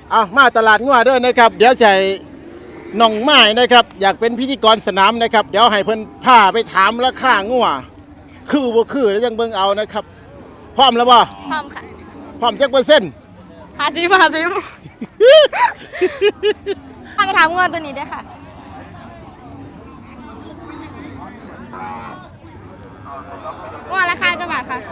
เอามาตลาดงัวเด้อนะครับเดี๋ยวใส่น้องไม้นะครับอยากเป็นพิธีกรสนามนะครับเดี๋ยวให้เพิ่นพาไปถามราคางัวคือบ่คือแล้วยังเบิ่งเอานะครับพร้อมแล้วบ่พร้อมค่ะพร้อมจักเปอร์เซ็นต์ 50พาไปถามงัวตัวนี้ด้วยค่ะงัวราคาจะบาทค่ะ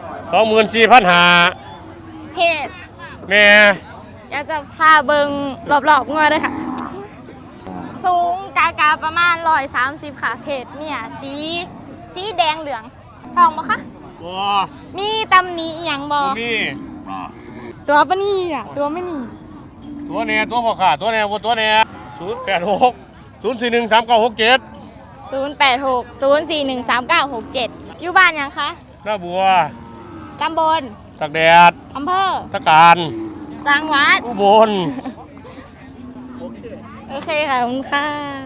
24,500 เพศแม่อยากจะพาเบิงรอบๆงัวด้วยค่ะสูงกาประมาณ130ค่ะเพศเนี่ยสีแดงเหลืองทองบ่คะบ่มีตำหนิอีหยังบ่มีตัวปะนี่อ่ะตัวไม่นี่ตัวแน่ตัวบ่ขาตัวแน่บ่ตัวแน่086 041 3967 086 041 3967อยู่บ้านยังคะหน้าบัวตำบลตักแดดอำเภอตะการจังหวัดอุบลโอเคค่ะขอบคุณค่ะ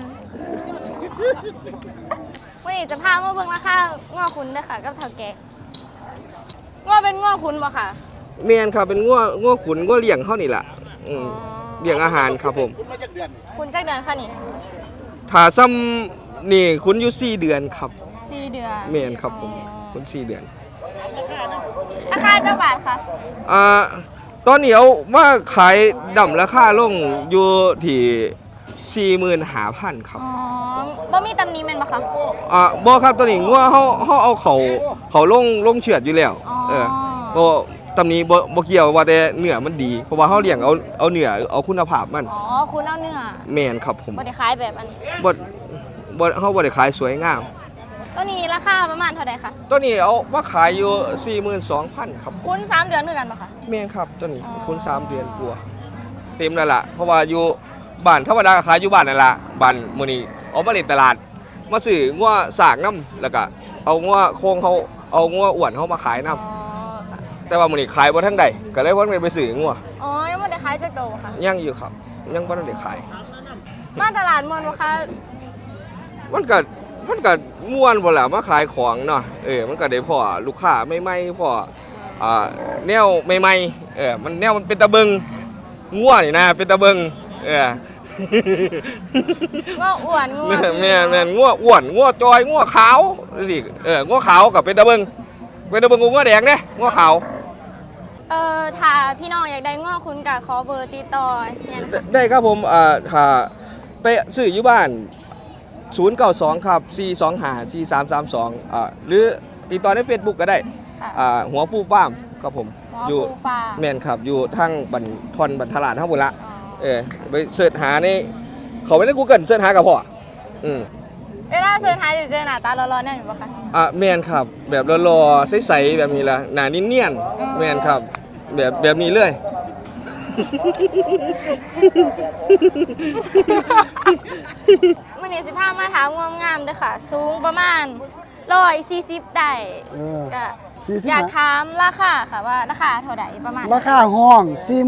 วันนี้จะพามาเบิ่งราคาง้อคุณด้วยค่ะกับเฒ่าแก่ง้อเป็นง้อคุณบ่ค่ะเมียนครับเป็นงัวขุนงัวเลี้ยงเขานี่แหละเลี้ยงอาหารครับผมคุณมาจากเดือนคุณจักเดือนค่ะนี่ถ้าซ้ำนี่คุณอยู่4 เดือนครับ 4 เดือนเมียนครับผมคุณ4 เดือนราคาจักบาทค่ะตอนนี้เอาว่าขายดำราคาลงอยู่ที่45,000ครับบ่มีตำหนิแม่นบ่คะบ่ครับตัวนี้งัวเฮาเอาเขาลงเฉือดอยู่แล้วบ่ตำนี้บ่เกี่ยวว่าแต่เนื้อมันดีเพราะว่าเฮาเลี้ยงเอาเนื้อเอาคุณภาพมันคุณเอาเนื้อแม่นครับผมบ่ได้ขายแบบอันนี้เฮาบ่ได้ขายสวยงามตัวนี้ราคาประมาณเท่าใดคะตัวนี้เอาว่าขายอยู่ 42,000 ครับคุณ3 เดือนด้วยกันป่ะคะแม่นครับตัวนี้คุณ3 เดือนกว่าเต็มแล้วล่ะเพราะว่าอยู่บ้านธรรมดาขายอยู่บ้านนั่นล่ะบ้านมื้อนี้เอามาเล่นตลาดมาซื้องัวสากน้ำแล้วก็เอางัวโคงเขาเอางัวอ้วนเขามาขายน้ำแต่ว่ามื้อนี้ขายบ่ทันใดก็เลยว่าไปซื้องัวยังบ่ได้ขายจักโตค่ะยังอยู่ครับยังบ่ทันได้ขายมาตลาดม่วนบ่คะมันก็ม่วนบ่ล่ะมาขายของเนาะมันก็ได้พอลูกค้าใหม่ๆพอแนวใหม่ๆมันแนวมันเป็นตะเบิงงัวนี่นะเป็นตะเบิงงัวอ้วนงัวแม่นงัวอ้วนงัวจอยงัวขาวสิงัวขาวกับเป็นตะเบิงงัวแดงเด้งัวขาวถ้าพี่น้องอยากได้งัวคุณก็ขอเบอร์ติดต่อได้ครับผมถ้าไปซื้ออยู่บ้าน092ครับ425 4332หรือติดต่อใน Facebook ก็ได้หัวฟูฟาร์มครับผมอยู่แม่นครับอยู่ทางบันทอนบันทลาดทั้งหมดละไปเสิร์ชหาในเขาไม่ได้ Google เสิร์ชหากับพ่อเวลาเสิร์ชหาจะเจอหน้าตาร้อนๆเนี่ยอยู่ปะคะแม่นครับแบบรอๆใสๆแบบนี้ละหน้าเนียนๆแม่นครับแบบนี้เลยมื้อนี้สิพามาถามงามๆเด้อค่ะสูงประมาณ140ได้ก็อยากถามราคาค่ะว่าราคาเท่าใดประมาณราคาห้อง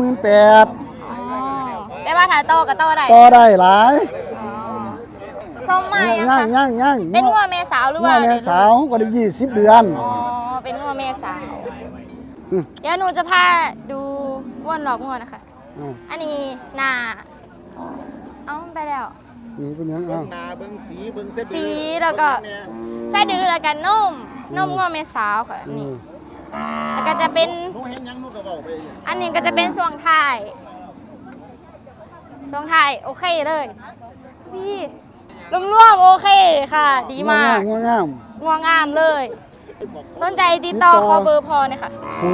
48,000แต่ว่าถ้าโตก็โตได้หลายส้มมาย่างเป็นงัวแม่สาวหรือว่าแม่สาวก็ได้20 เดือนเป็นงัวแม่สาวเดี๋ยวหนูจะพาดูวนหลอกงัวนะคะอันนี้หน้าไปแล้วเป็นยังหน้าเบิ่งสีเบิ่งสีแล้วก็ไส้ดื้อแล้วกันนมงัวแม่สาวค่ะนี่แล้วก็จะเป็นอันนี้ก็จะเป็นช่วงท้ายโอเคเลยพี่รวมโอเคค่ะดีมากงัวงามเลยสนใจติดต่อขอเบอร์พอเนี่ยค่ะ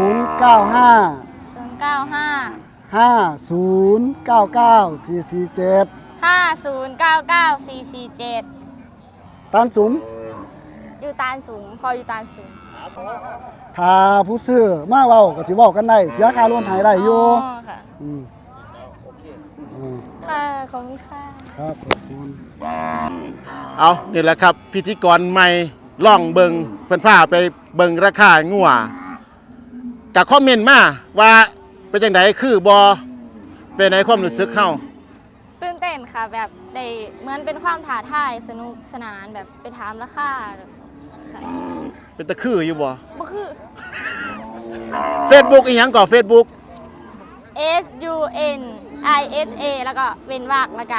095 5099 447ตานสูงอยู่ตานสูงพออยู่ตานสูงถ้าผู้ซื้อมาเว้าก็สิเว้ากันได้เสียค่ารถให้ได้อยู่ค่ะค่ะขอบคุณค่ะครับขอบคุณเอานี่แหละครับพิธีกรใหม่ล่องเบิงเพิ่นพาไปเบิงราคางัวกับคอมเมนต์มาว่าเป็นจังไดคือบ่เป็นไหนความรู้สึกเฮาตื่นเต้นค่ะแบบได้เหมือนเป็นความท้าทายสนุกสนานแบบไปถามราคาค่ะเป็นตะคืออยู่บ่คือ Facebook อีหยังก่อ Facebook SUNISA แล้วก็เว้นวรรคแล้วก็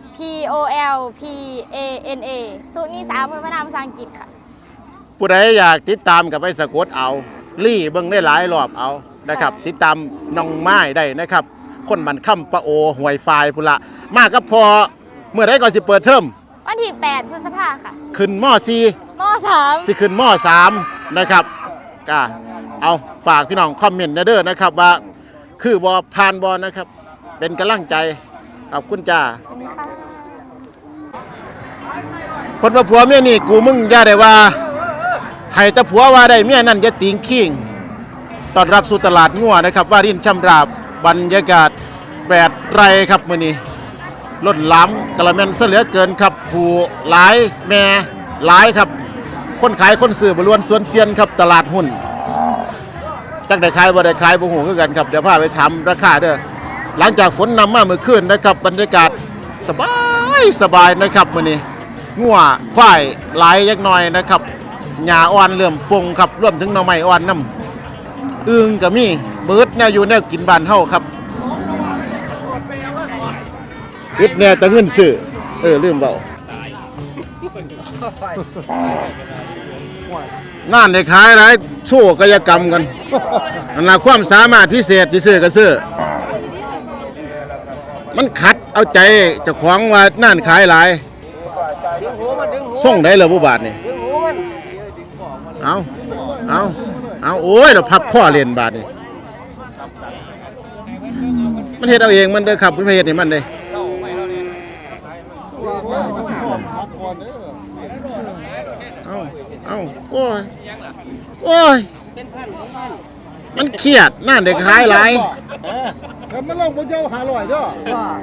POLPANA สุนิสาพนามภาษาอังกฤษค่ะผู้ใดอยากติดตามกับไปสะกดเอาลี่เบิ่งได้หลายรอบเอานะครับค่ะติดตามน้องไม้ได้นะครับ คนบันค่ำปะโอห่วยไฟพุ่นละมากับพอเมื่อไรก่อนสิเปิดเทอมวันที่ 8 พฤษภาค่ะขึ้นม .4 ม .3 สิขึ้นม .3 นะครับก็เอาฝากพี่น้องคอมเมนต์เด้อนะครับว่าคือบอผ่านบอนะครับ เป็นกำลังใจขอบคุณจ้าพลว่าผัวเมียนี่กูมึงอย่าได้ว่าให้แต่ผัวว่าได้เมียนั่นอย่าติงขิงต้อนรับสู่ตลาดงัวนะครับว่ารินช่ำราบบรรยากาศ8 ไร่ครับมื้อนี้ล้นหล้ำกระแมนเสเหลือเกินครับผู้หลายแม่หลายครับ คนขายคนซื้อบรวนสวนเซียนครับตลาดหุ้นจักได้ขายบ่ได้ขายบ่ฮู้คือกันครับเดี๋ยวพาไปถามราคาเด้อหลังจากฝนนำมาเมื่อคืนนะครับบรรยากาศสบายนะครับมื้อนี้งัวควายหลายยักหน่อยนะครับหญ้าอ่อนเริ่มปงครับรวมถึงหน่อไม้อ่อนน้ำอึ่งก็มีเบิดแนวอยู่แนวกินบ้านเฮาครับอึดแน่แต่เงินซื้อลืมเว้าน่านได้ขายหลายโชว์กายกรรมกันอันน่ะความสามารถพิเศษสิซื้อก็ซื้อมันขัดเอาใจเจ้าของว่าน่านขายหลายส่งได้เหรอผู้บาทนี่เอาโอ้ยเราพับข้อเรียนบาทนี่มันเฮ็ดเอาเองมันเด้อครับไม่เฮ็ดให้มันเด้เอาโอ้ยมันเครียดน่าเด็กขายหลายมันลงบนเจ้าหาลอยเด้อ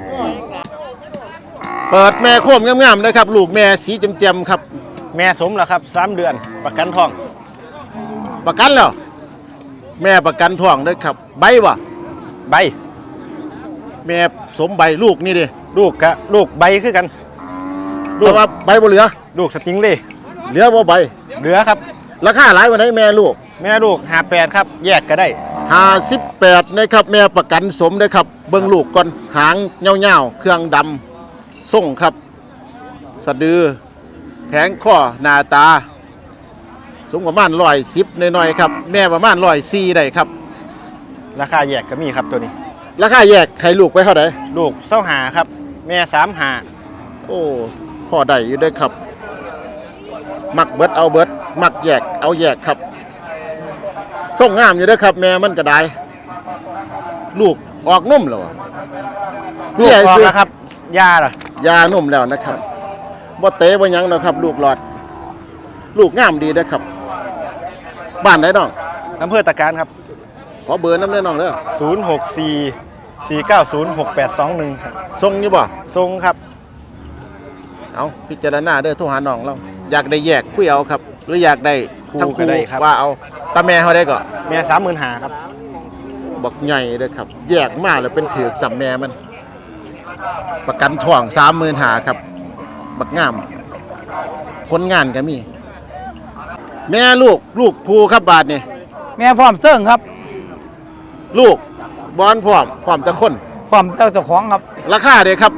เปิดแม่โคมงามๆนะครับลูกแม่สีแจ่มๆครับแม่สมแล้วครับ3 เดือนประกันท้องประกันแล้วแม่ประกันท้องเด้อครับใบบ่ใบแม่สมใบลูกนี่ดิลูกใบคือกันแต่ว่าใบบ่เหลือลูกสติงเล่เหลือบ่ใบเหลือครับราคาหลายวันไหนแม่ลูกแม่ลูก58ครับแยกก็ได้ 58นะครับแม่ประกันสมเด้อครับเบิ่งลูกก่อนหางยาวๆเครื่องดำส่งครับสะดือแผงข้อหน้าตาสูงประมาณ110หน่อยๆครับแม่ประมาณ104ได้ครับราคาแยกก็มีครับตัวนี้ราคาแยกให้ลูกไปเท่าไหร่ลูก25ครับแม่35 โอ้พอได้อยู่เด้อครับมักเบิดเอาเบิดมักแยกเอาแยกครับส่งงามอยู่เด้อครับแม่มันก็ได้ลูกออกนุ่มแล้วอะลูกออกแล้วครับยาล่ะยานุ่มแล้วนะครับบ่เตะบ่หยังดอกครับ ลูกหลอด ลูกงามดีเด้อครับ บ้านไหนน้องอำเภอตะการครับขอเบอร์น้ำเด้อน้องเด้อ 064 490 6821ครับส่งอยู่บ่ทรงครับเอาพิจารณาเด้อโทรหาน้องเราอยากได้แยกคุยเอาครับ หรืออยากได้ทั้งคู่ก็ได้ครับว่าเอาตาแม่เฮาได้ก็แม่35,000ครับบักใหญ่เด้อครับ แยกมาแล้วเป็นถือกสัมแม่มัน ประกันท้อง35,000ครับ บักงามผลงานก็มี แม่ลูกภูครับบาทนี่แม่พร้อมเซิ่งครับลูกบอนพร้อมตะคนพร้อมเจ้าของครับราคาเด้ครับ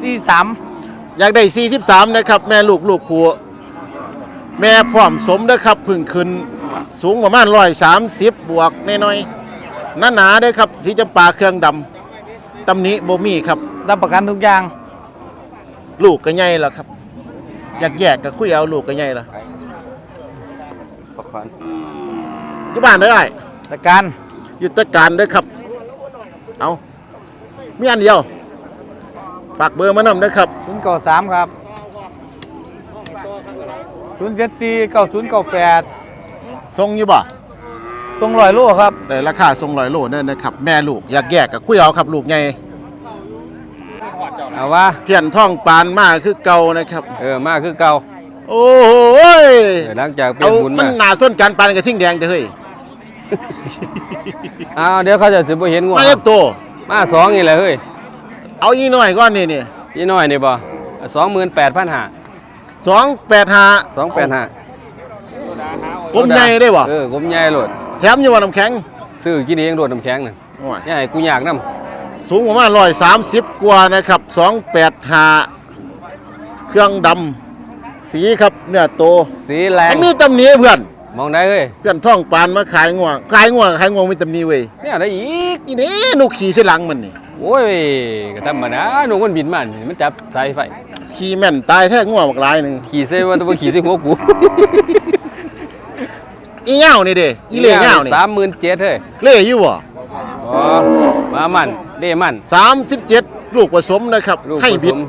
43 อยากได้43นะครับ แม่ลูกภูแม่พร้อมสมเด้อครับเพึ่งขึ้นสูงประมาณ130บวกน้อยๆหนาๆเด้อครับ สีจำปาเครื่องดำตำหนิบ่มีครับรับประกันทุกอย่างลูกก็ใหญ่แล้วครับ อยากแยกก็คุยเอาลูกก็ใหญ่แล้วอยู่บ้านได้ตะการอยู่ตะการเด้อครับ เอามีอันเดียวฝากเบอร์มานำเด้อครับ 093ครับ074 9098 ทรงอยู่บ่ส่ง100โลครับได้ราคาทรง100 โลเด้อนะครับ แม่ลูกอยากแยกก็คุยเอาครับ ลูกใหญ่เอาว่าเพี้ยนท้องปานมาคือเก่านะครับมาคือเก่าโอ้ยหลังจากเปลี่เอายนบุญมัมานหนาส้นการปานกับทิ้งแดงเด้อเฮ้ยเอาเดี๋ยวเขาจะสิบ่เห็นงัวมาเล็บโตมา2นี่แหละเฮ้ยเอาอีน้อยก้อนนี่อีน้อยนี่บ่28,500 285 285 กลมใหญ่ได้บ่กลมใหญ่โลดแถมอยู่ว่าน้ำแข็งซื้อกินเองโดดน้ำแข็งน่ะโอ้ยอย่าให้กูยากนสูงประมาณ130กว่านะครับ285เครื่องดำสีครับเนื้อโตสีแรงมันมีตำหนิเพื่อนมองได้เฮ้ยเพื่อนท่องปานมาขายงัวมีตำหนิเว้ยเนี่ยได้อีกนี่นี่หนูขี่ใส่หลังมันนี่โอ้ยก็ธรรมดาหนูมันบินมานี่มันจับสายไฟขี่แม่นตายแท้งัวบักหลายหนึงขี่เซว่าตัวขี่ใส่หัวกูอีเหง้านี่เด้อีเล่เหง้านี่ 37,000เฮ้ยเล่อยู่บ่อ๋อมามันเด้มัน 37ลูกผสมนะครับลูกให้ผบิสดม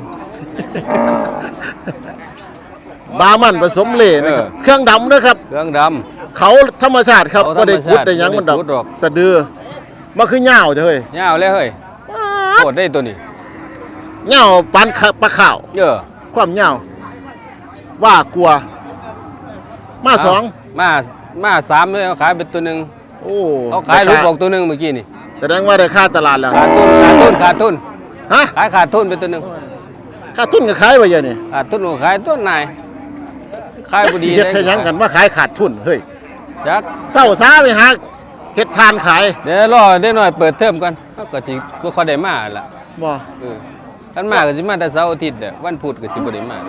บามันผสมเล่นะครับเครื่องดำนะครับเครื่องดเขาธรรมชาติครับเขาบ่ได้ขุดธรรมชาติได้หยังมันดอกบ่ได้ขุดหรอกสะดือมาคือเหง้าเด้อเฮ้ยำยาวเลยเฮ้ยโคตรได้ตัวนี้เหง้าปานปลาข้าวเยอะความเหง้าว่ากลัวมาสองมา3เลยเขาขายเป็นตัวหนึงโอ้เขาขายลูกออกตัวหนึงเมื่อกี้นี่แสดงว่าได้ค่าตลาดแล้วขาดทุนฮะขาดทุนเป็นตัวหนึงค่าทุนก็ขายไว้เยอะนี่ขาดทุนก็ขายตัวนายขายบ่ดีสิเฮ็ดให้หยังกันว่าขายขาดทุนเฮ้ยจักเศร้าซาไปหาเฮ็ดทานขายเดี๋ยวรอได้หน่อยเปิดเทอมก่อนเขาก็สิบ่ค่อยได้มาล่ะบ่คันมาก็สิมาแต่เสาร์อาทิตย์เด้อวันพุธก็สิบ่ได้มา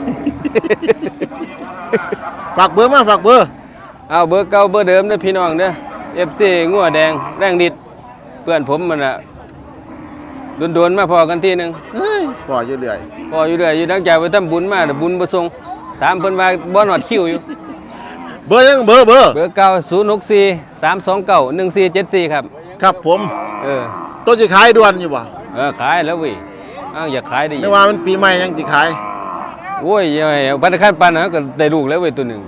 ฝากเบอร์มาฝากเบอร์เอาเบอร์เก่าเบอร์เดิมเด้อพี่น้องเด้อ FC งัวแดงแรงดิดเพื่อนผมมันน่ะโดนๆมาพอกันทีหนึงเฮ้ยบ่อยู่เรื่อยพออยู่เรื่อยอยู่ดังจากไปทำบุญมาแต่บุญบ่ส่งถามเพิ่นว่าบ่ฮอดคิวอยู่เบอร์ยังเบอร์เบอร์เก่า064 329 1474ครับครับผมเออตัวสิขายด่วนอยู่บ่ขายแล้วเว้ยอ้าวอยากขายได้อีไม่กว่ามันปีใหม่ยังสิขายโอ้ยยังไงเอาพันธคันปันนะก็ได้ลูกแล้วเว้ยตัวหนึง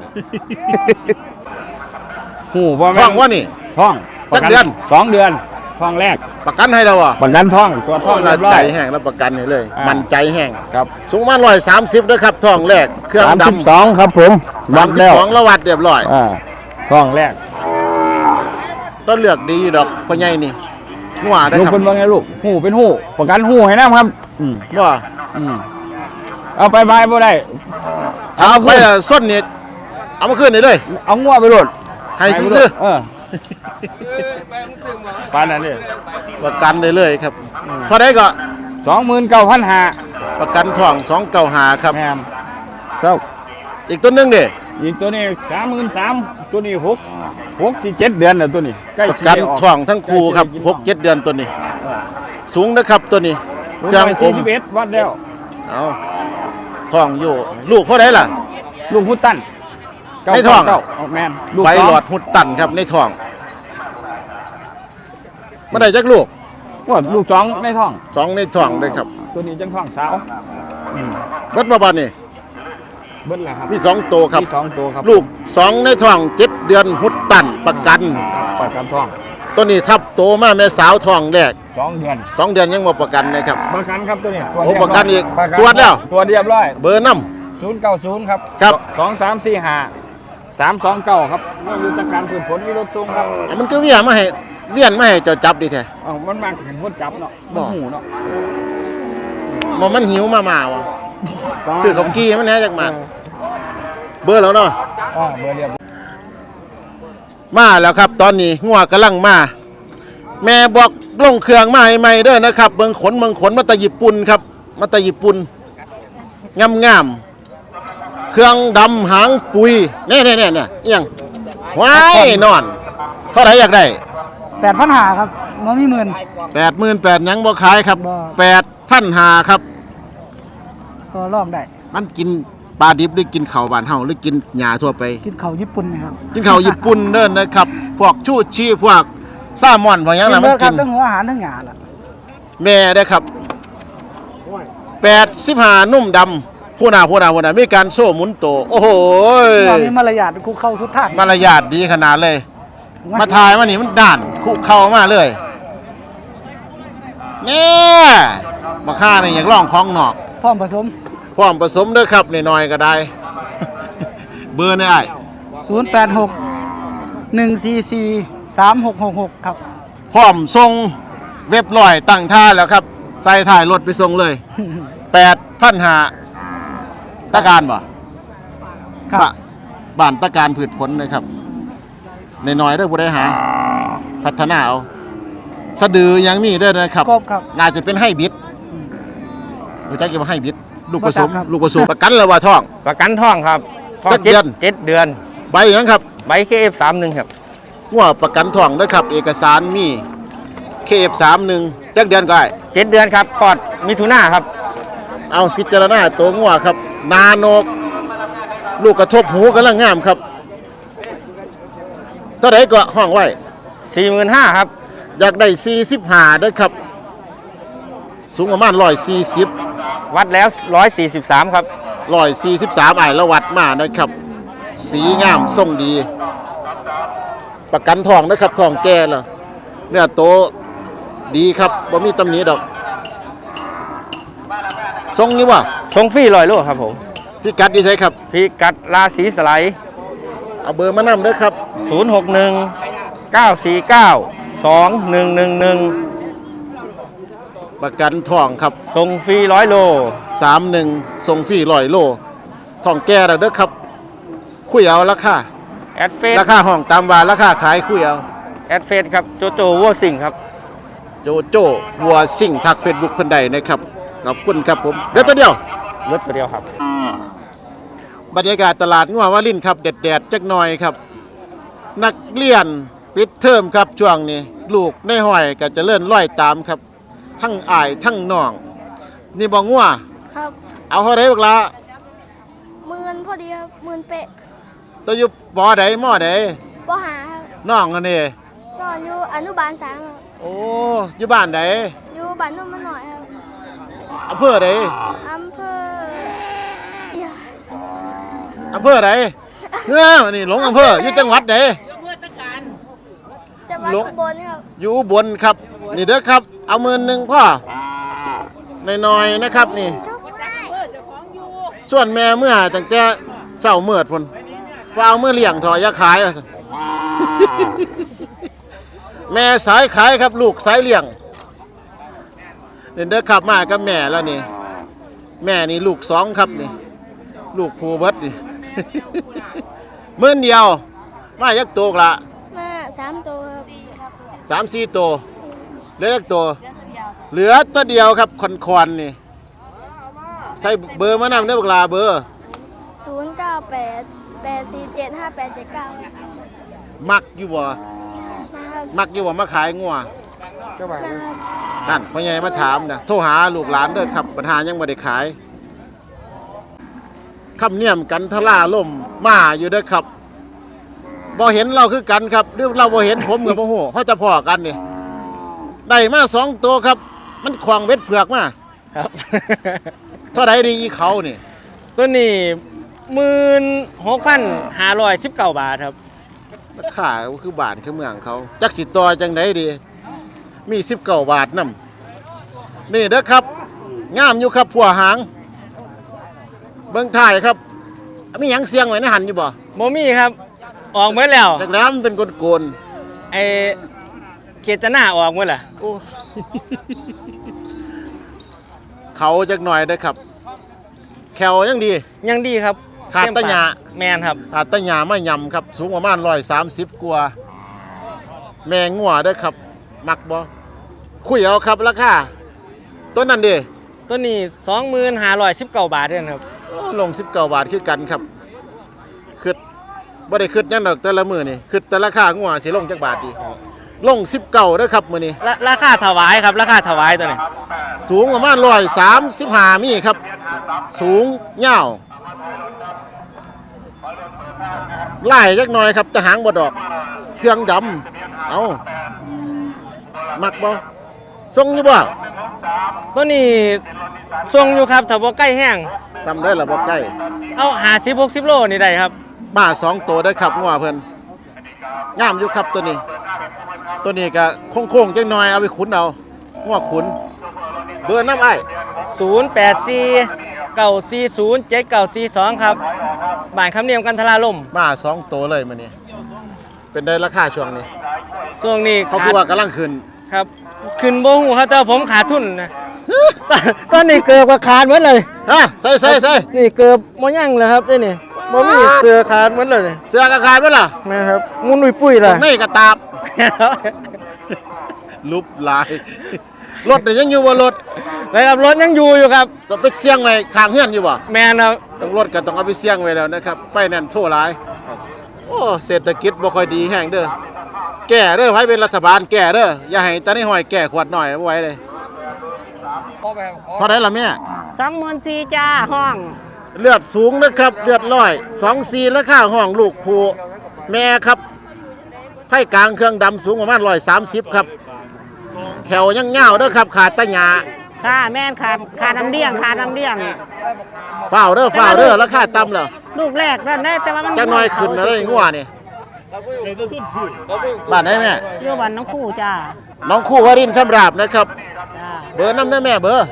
หูพ่อท้แม่องว่านี่ท้องจักเดือน 2 เดือนท้องแรกประกันให้เราอ่ะประกันท้องตัวท้องเราเรียบร้อใจยแห้งแล้วประกันให้เลยอ่ามัมันใจแห้งครับสูงประมาณ130นะครับท้องแรกเครื่องดำ 32ครับผมวัดแล้ว 32แล้ววัดเรียบร้อยท้องแรกต้นเลือกดีดอกพ่อใหญ่นี่งัวได้ลูกครับเป็นว่าไงลูกหูเป็นหูประกันหูให้นะครับอืมว่าอืมเอาไปบายบ่ได้เอาไปละส้นนี่เอามาขึ้นนี่เลยเอางัวไปโลดให้ซื้อปานนั้นเลยประกันได้เลยครับเท่าไดก็ 29,500 ประกันท้อง295ครับแม่นครับอีกตัวหนึงเด้อีกตัวนี้33,000ตัวนี้6 7 เดือนแล้วตัวนี้ใกล้ประสิกันได้ออกท้องทั้งคู่ครับใกล้สิได้กิน 6-7 เดือนตัวนี้ สูงนะครับตัวนี้ลูกเครื่องอม 41วัดแล้วเอาท้องอยู่ลูกเท่าไดล่ะลูกพุตันในท้องเก้าแม่นลูกใบสงหลอดหุดตันครับในท้องมาได้จักลูกว่าลูกสองในท้อง 2ในท้องเลยครับตัวนี้จังท้องสาวอืมเบิดมาบาดนี่เบิ้ลละครับมี2ตัวครับมีสองตัวครับลูก2ในท้อง7 เดือนหุดตันประกันประกันท้องตัวนี้ทับโตมาแม่สาวท้องแรก 2 เดือน 2 เดือนยังบ่ประกันนะครับประกันครับตัวนี้โอ้ประกันอีกประนตรวจแล้วตัวเรียบร้อยเบอร์นำ 090ครับครับ 2345 329ครับเมื่อยุทธการพืชผลมีรถส่งครับมันก็เวียนมาให้เจ้าจับดีแท้มันมากเห็นคนจับเนาะบ่มันหูเนาะมันหิวมาวะซื้อของกี้มันแหน่จักมาเบอร์แล้วเนาะเบอร์เรียบมาแล้วครับตอนนี้งัวกำลังมาแม่บอกลงเครื่องมาให้ใหม่เด้อนะครับเบิ่งขนมาแตะญี่ปุ่นครับมาแตะญี่ปุ่นงามๆเครื่องดำหางปุยแน่ๆๆเนี่ยเอียงว้ายนอนเท่าไหร่อยากได้ 8,500ครับมันมีหมื่น 88,000ยังบ่ขายครับบ่ 8,500ครับก็ลองได้มันกินปลาดิบหรือกินข้าวบ้านเฮาหรือกินหญ้าทั่วไปกินข้าวญี่ปุ่นนะครับกินข้าวญี่ปุ่นเด้อนะครับ พวกชูชีพวกแซลมอนพวกหยังน่ะมันคกิรับนทั้งหัวอาหารทั้งหยาล่ะแม่ได้อครับ85นุ่มดำผู้หน้ามีการโซ่หมุนโตโอ้โหตอนนี้มารยาทคุกเข้าสุดทางมารยาทดีขนาดเลย มาทายมานี่มันด่านคุเข้ามาเลยแน่มาค่านี่อยากลองของนอกพร้อมผสมพร้อมผสมเด้อครับน้อยๆก็ได้ เบอร์นี่อ้าย 086 144 3666ครับพร้อมส่งเว็บลอยตั้งท่าแล้วครับ ใส่ถ่ายรถไปส่งเลย 8,500ตะการบ่ครับบ้านตะการผืดผลนะครับน้อยๆเด้อผู้ใดหา พัฒนาเอาสะดือยังมีเด้อนะครับครบครับน่าจะเป็นไฮบริดรู้จักว่าไฮบริดลูกผสมบ่จักครับลูกผสมประกันแล้วว่าท้องประกันท่องครับท่องจักเดือนเจ็ดเดือนใบหยังครับใบ KF31 ครับงัวประกันท้องนะครับ เอกสารมี KF31 จักเดือนก็ได้ 7 เดือนครับคลอดมิถุนาครับเอาพิจารณาตัวงัวครับ นาโนก ลูกกระทบหูกำลังงามครับเท่าไหร่ก็ห้องไว้ 45,000ครับอยากได้45ด้วยครับ สูงประมาณ140 วัดแล้ว 143 ครับ 143ไอ้ละวัดมานะครับ สีงามทรงดี ประกันทองนะครับทองแก่แล้วเนื้อโตดีครับบ่มีตำหนิดอกทรงนี้ว่าชงฟรี100 โลครับผมพี่กัดดีใช่ครับพิกัดราศีสไลด์เอาเบอร์มานำเด้อครับ 061 949 2111 ประกันทองครับส่งฟรี100 โล 31ส่งฟรี100 โลทองแก่แล้วเด้อครับ คุยเอาราคาแอดเฟซราคาห้องตามว่าราคาขายคุยเอาแอดเฟซครับ โจโจวัวสิงครับโจโจ้วัวสิ่งทัก Facebook เพิ่นใดนะครับขอบคุณครับผมเดี๋ยวตัวเดียวรถตัวเดียวครับบรรยากาศตลาดงัววารินครับแดดๆจักหน่อยครับ นักเรียนปิดเทอมครับช่วงนี้ ลูกในห้อยก็จะเลื่อนร้อยตามครับ ทั้งอ้ายทั้งน้อง นี่บ่งัวครับเอาเท่าไรบักละ 10,000พอดีครับ10,000เป๊ะตัวอยู่บ่ใดมอใดบ่หาครับน้องอันนี้นอนอยู่อนุบาล3ครับโอ้อยู่บ้านใดอยู่บ้านนุ่มมาหน่อยครับอำเภอใดอำเภออย่าอำเภอใดนี่หลงอำเภออยู่จังหวัดใดจังหวัดหลวงอุบลครับอยู่อุบนครับ นี่เด้อครับ เอา10,000พ่อน้อยๆนะครับนี่ ส่วนแม่เมื่อตั้งแต่เช้ามืดพุ่นว่าเอาเมื่อเลี้ยงถอยาขายว่าซั่น แม่สายขายครับลูกสายเลี้ยงเดินเด้อขับมากับแม่แล้วนี่ แม่นี่ลูก2ครับนี่ ลูกผูเบิดนี่ มื้อเดียวมายักโตกละมา3ตัวครับ 3-4ตัวเหลือยักตัวเหลือตัวเดียวครับคอนๆนี่ใช้เบอร์มานำได้อบักลาเบอร์ 0988475879 มักอยู่บ่นะครับมักอยู่บ่มาขายงัวนะครับนั่นพ่อใหญ่มาถามนะโทรหาลูกหลานเด้อครับปัญหายังบ่ได้ขายคำเนียมกันทล่าล่มมาอยู่เด้อครับบ่เห็นเราคือกันครับหรือเราบ่เห็นผมกับบ่ฮู้เขาจะพอกันนี่ได้มา2ตัวครับ มันขวางเว็ดเผือกมาครับเท่าใดดีอีเขานี่ตัวนี้16,519 บาทครับราคาก็คือบ้านคือเมืองเขาจักสิต่อจังไดดี มี19 บาทนำนี่เด้อครับงามอยู่ครับผัวหางเบิ่งถ่ายครับมีหยังเสียงไว้ในหันอยู่บ่โมมี่ครับ ออกหมดแล้วจากแล้วมันเป็นโกนไอเกจนาออกหมดล่ะๆโอ้ เขาจักหน่อยเด้อครับ แขวยังดียังดีครับขาดตะหยาแมนครับอาตะหยาไม่ยำครับ สูงประมาณ130กว่าแมงงัวเด้อครับ มักบ่คุยเอาครับราคาต้นนั้นดิตัวนี้2519 บาทเด้อครับโอ้ลง19 บาทคือกันครับคิดบ่ได้คิดหยังดอกแต่ละมื้อนี่คิดแต่ราคางัวสิลงจักบาทดีลง19เด้อครับมื้อนี้ราคาถวายครับ ราคาถวายตัวนี้สูงประมาณ135มีครับ สูงยาวไล่จักหน่อยครับแต่หางบ่ดอก เครื่องดำเอามักบ่ทรงอยู่บ่ตัวนี้ทรงอยู่ครับถ้าบ่ใกล้แห้งซ้ำได้ละบ่ใกล้เอา50-60 โลนี่ได้ครับมา2ตัวได้อครับงัวเพิ่นงามอยู่ครับตัวนี้ ตัวนี้ก็โค้งๆจังหน่อยเอาไปขุนเอางัวขุนเบอร์น้ำอ้าย 084-940-7942 ครับบ้านคำเนียมกันทราลมมา2ตัวเลยมื้อนี้เป็นได้ราคาช่วงนี้ช่วงนี้เขาคือว่ากำลังขึ้นครับ ขึ้นบ่ฮู้ครับแต่ว่าผมขาดทุนนะ ตอนนี้เกือบขาดหมดเลยฮะใส่นี่เกือบบ่ยังเลยครับนี่บ่มีเสือขาดหมดเลยเสื้อกระขาดไว้ล่ะนะครับมุนปุ้ยๆล่ะในกระตาบลุบหลายรถเนี่ยยังอยู่บ่รถเลยครับรถยังอยู่ครับต้องไปเสี่ยงไว้ข้างเฮือนอยู่บ่แมนครับต้องรถก็ต้องเอาไปเสี่ยงไว้แล้วนะครับไฟแนนซ์โทรหลายโอ้เศรษฐกิจบ่ค่อยดีแห้งเด้อแก้เด้อไผเป็นรัฐบาลแก้เด้ออย่าให้ตานี่ห้อยแก้ขวดหน่อยบ่ไหวเลยเท่าไหร่ล่ะแม่ 24,000จ้าห้องเลือดสูงนะครับเลือดร้อย24ราคาห้องลูกผู้แม่ครับไผ่กลางเครื่องดำสูงประมาณ130ครับแขวยังเงาวเด้อครับขาดตะหยาค่ะแม่นขาดน้ำเลี้ยงฝ้าวเด้อราคาต่ำแล้วลูกแรกนั่นได้แต่ว่ามันจักหน่อยขึ้นแล้วได้งัวนี่บ้านไหนแม่อยู่บ้านน้องคู่จ้าน้องคู่วรินทร์คำราบนะครับจ้าเบอร์น้ำได้แม่เบอร์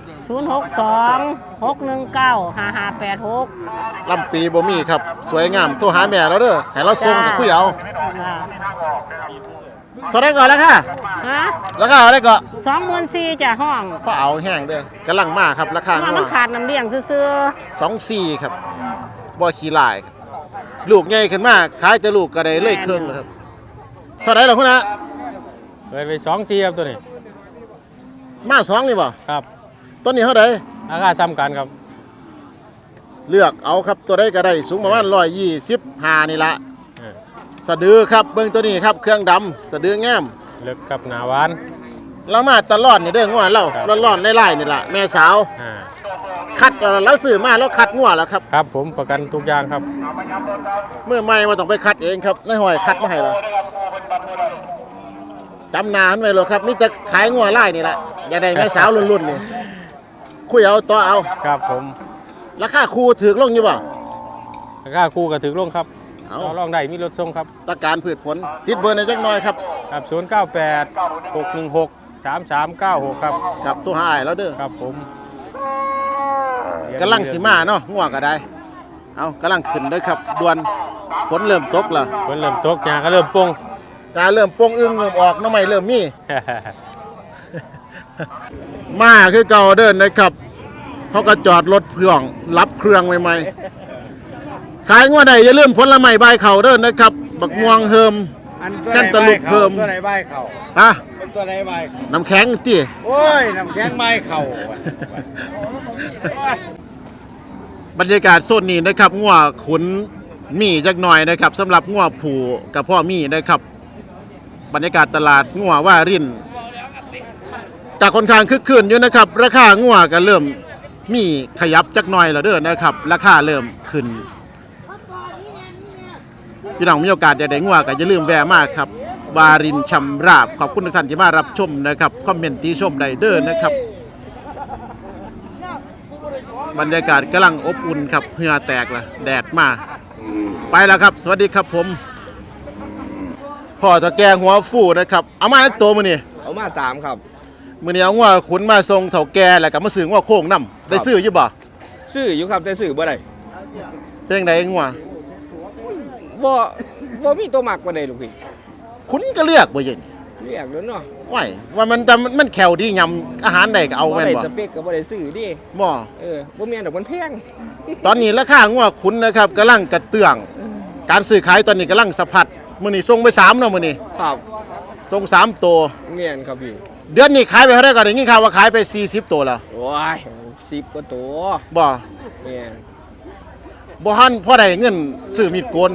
062-619-5586 ลำปีบ่มีครับสวยงามโทรหาแม่เราเด้อให้เราส่งกับคุยเอาจ้าเท่าไหร่ก่อนแล้วค่ะฮะราคาเท่าไหร่ก็ 24,000จ้าห้องพอเอาแห้งเด้อกำลังมาครับราคาว่างัมัวนขาดน้ำเลี้ยงซื่อ 24ครับบ่ขี้ลายครับลูกใหญ่ขึ้นมาขายแต่ลูกก็ได้เลยเครื่องแล้วครับเท่าไหร่ล่ะคุณนะเปิดไป2 G ครับตัวนี้มา2นี่บ่ครับต้นนี้เท่าไหร่ราคาซ้ำกันครับเลือกเอาครับตัวใดก็ได้สูงประมาณ125นี่ละเออสะดือครับเบิ่งตัวนี้ครับเครื่องดำสะดืองามเลิกกับหนาหวานเรามาตลอดนี่เด้องัวเราร้อนๆไล่ๆนี่ล่ะแม่สาวอ่าคัดแล้วซื้อมาแล้วคัดงัวแล้วครับครับผมประกันทุกอย่างครับเมื่อไม่มาต้องไปคัดเองครับนายหอยคัดมาให้เราจำนานไว้เลยครับนี่จะขายงัวไล่นี่แหละอย่าได้แม่สาวรุ่นๆนี่คุยเอาต่อเอาครับผมราคาคูถือลงอยู่บ่ราคาคู่กับถึงลงครับเอาต่อรองได้มีรถส่งครับตะการพืชผลติดเบอร์ในอยจักหน่อยครับครับ098-616-3396ครับครับตัวหายแล้วเด้อครับผมกำลังสิมาเนาะงัวก็ได้เอากำลังขึ้นเด้อครับด่วนฝนเริ่มตกแล้วฝนเริ่มตกหญ้าก็เริ่มปงตาเริ่มโป่งอึ้งเริ่มออกน้ำใหม่เริ่มมี มาคือเก่าเดินนะครับเขาก็จอดรถเครื่องรับเครื่องใหม่ๆขายงัวได้อย่าลืมผลไม้ใบเข่าเดินนะครับ บักม่วงเฮิมแค่นตะลุกเฮิมตัวไหนใบเข่าฮะเป็นตัวไหนใบเข่าน้ำแข็งตีโอ้ยน้ำแข็งใบเข่าบรรยากาศโซนนี้นะครับงัวขุนมีจักหน่อยนะครับสำหรับงัวผูกับพ่อมีนะครับ บรรยากาศตลาดงัวว่ารินจากค่อนข้างคึกคืนอยู่นะครับ ราคางัวก็เริ่มมีขยับจักหน่อยแล้วเด้อนะครับ ราคาเริ่มขึ้นพี่น้องมีโอกาสได้งัวก็อย่าลืมแวะมาครับวารินชำราบขอบคุณทุกท่านที่มารับชมนะครับคอมเมนต์ติชมได้เด้อนะครับ บรรยากาศกำลังอบอุ่นครับเหงื่อแตกละแดดมาไปแล้วครับ สวัสดีครับผมพ่อตะแกงหัวฟูนะครับเอามาตัวมือนี่เอามา3ครับมือนี้เอางัวขุนมาทรงเถาแก่แล้วก็มาซื้องัวโค้งน้ำได้ซื้ออยู่บ่ซื้ออยู่ครับแต่ซื้อบ่ได้เพลงใดงัวบ่มีตัวมักบ่ได้ลูกพี่ขุนก็เลือกบ่เย็นเรียกเด้อเนาะไหวว่ามันแขวดียำอาหารใดก็เอาบ่แม่นได้บ่สเปคก็บ่ได้ซื้อดิบ่บ่แม่นดอกมันแพงตอนนี้ราคางัวขุนนะครับกำลังกระเตื้อง การซื้อขายตอนนี้กำลังสะพัดมื้อนี้ส่งไป3เนาะมื้อนี้ครับส่ง3ตัวแม่นครับพี่เดือนนี้ขายไปเท่าไหร่ก็ได้ยินข่าวว่าขายไป40ตัวแล้วโอ้ย10กว่าตัวบ่แม่นบ่หันพ่อได้เงินซื้อมีดโกน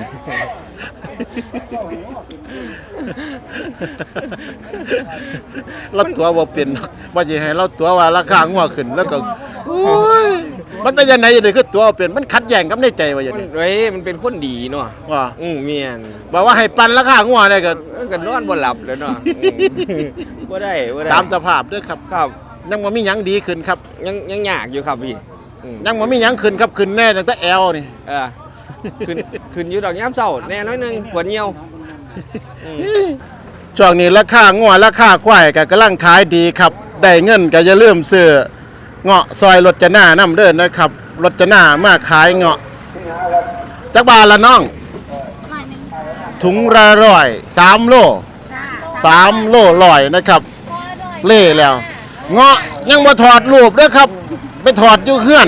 เราตัวบ่เป็นว่าสิให้เราตัวว่าราคางัวขึ้นแล้วก็โอ้ยมันเป็นยังไงจังได๋คือตัวเป็นมันขัดแย้งกับในใจว่าอย่างมันนี้เว้ยมันเป็นคนดีเนาะว่าแม่นบอกว่าให้ปันราคางัวได้ก็มันก็นอนบ่หลับแล้วเนาะบ่ได้ตามสภาพเด้อครับครับยังบ่มีหยังดีขึ้นครับยังยากอยู่ครับพี่ยังบ่มีหยังขึ้นครับขึ้นแน่ตั้งแต่แอวนี่ขึ้นอยู่ดอกยามเช้าแน่น้อยหนึงปวดเหี่ยวช่วงนี้ราคางัวราคาควายก็กำลังขายดีครับได้เงินก็อย่าลืมซื้อเงาะซอยรถจะหน้านำเด้อนะครับรถจะหน้ามาขายเงาะจักบาทละน้อง ถุงละ100 3 โล3 โล100นะครับ เล่แล้ว เงาะยังบ่ถอดรูปเด้อครับ ไปถอดอยู่เฮือน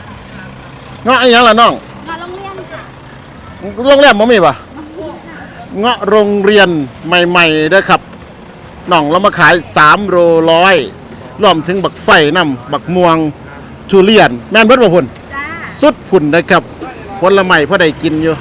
เงาะอีหยังล่ะน้องงานโรงเรียนค่ะโรงแรมบ่มีป่ะเงาะโรงเรียนใหม่ๆเด้อครับน้องเรามาขาย3โลร้อยรวมถึงบักไฟน้ำบักม่วงทุเรียนแม่นเบิดบ่พุ่นสุดพุ่นนะครับผลไม้พอได้กินอยู่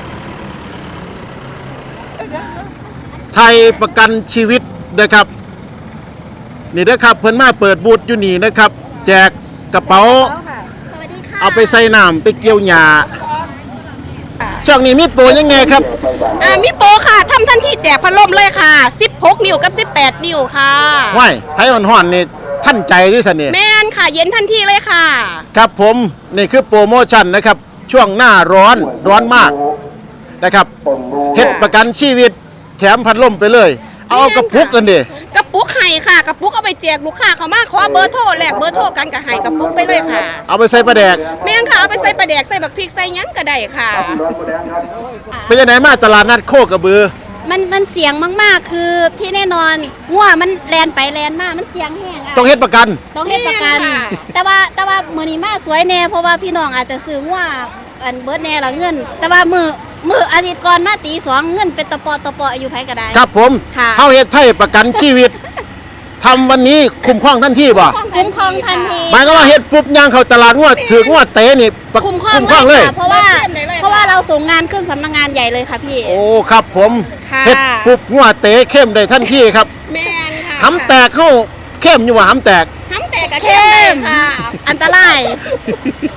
ไทยประกันชีวิตนะครับนี่เด้อครับเพิ่นมาเปิดบูธอยู่นี่นะครับแจกกระเป๋าเอาไปใส่น้ำไปเกี่ยวหญ้าช่วงนี้มีโปรยังไงครับมีโปรค่ะทำทันทีแจกพัดลมเลยค่ะ16 นิ้วกับ18 นิ้วค่ะว้ายไผอ่อนๆนี่ท่านใจด้วยสันนี่แม่นค่ะเย็นทันทีเลยค่ะครับผมนี่คือโปรโมชั่นนะครับช่วงหน้าร้อนมากนะครับเฮ็ดประกันชีวิตแถมพัดลมไปเลยเอากระปุกกันดิกระปุกไห้ค่ะกระปุกเอาไปแจกลูกค้าเขามาขอเบอร์โทรแลกเบอร์โทรกันกับไห้กระปุกไปเลยค่ะเอาไปใส่ปลาแดกแม่นค่ะเอาไปใส่ปลาแดกใส่บักพริกใส่หยังก็ได้ค่ะไปยังไหนมาตลาดนัดโคกระบือมันเสียงมากๆ คือที่แน่นอนงัวมันแลนไปแลนมามันเสียงแห้งอะต้องเฮ็ดประกันต้องเฮ็ดประกันแม่นค่ะแต่ว่ามื้อนี้มาสวยแน่เพราะว่าพี่น้องอาจจะซื้องัวอันเบิดแน่ละเงิน แต่ว่ามื้ออาทิตย์ก่อนมาตีสองเงินเป็นตะปออยู่ไผก็ได้ครับผมค่ะเฮาเฮ็ดไทยประกันชีวิตทำวันนี้คุ้มครองทันทีบ่คุ้มครองทันทีหมายก็ว่าเฮ็ดปุ๊บย่างเข้าตลาดงวดถือกงวดเตะนี่ประคุ้มครองคุ้มเลครองเลยยค่ะเพราะว่าเราส่งงานขึ้นสำนักงานใหญ่เลยค่ะพี่โอ้ครับผมค่ะเฮ็ดปุ๊บงวดเตะเข้มได้ทันทีครับแม่นค่ะหำแตกเข้าเข้มอยู่ว่าหำแตกหำแตกกับเข้เข้มเลยมค่ะอันตราย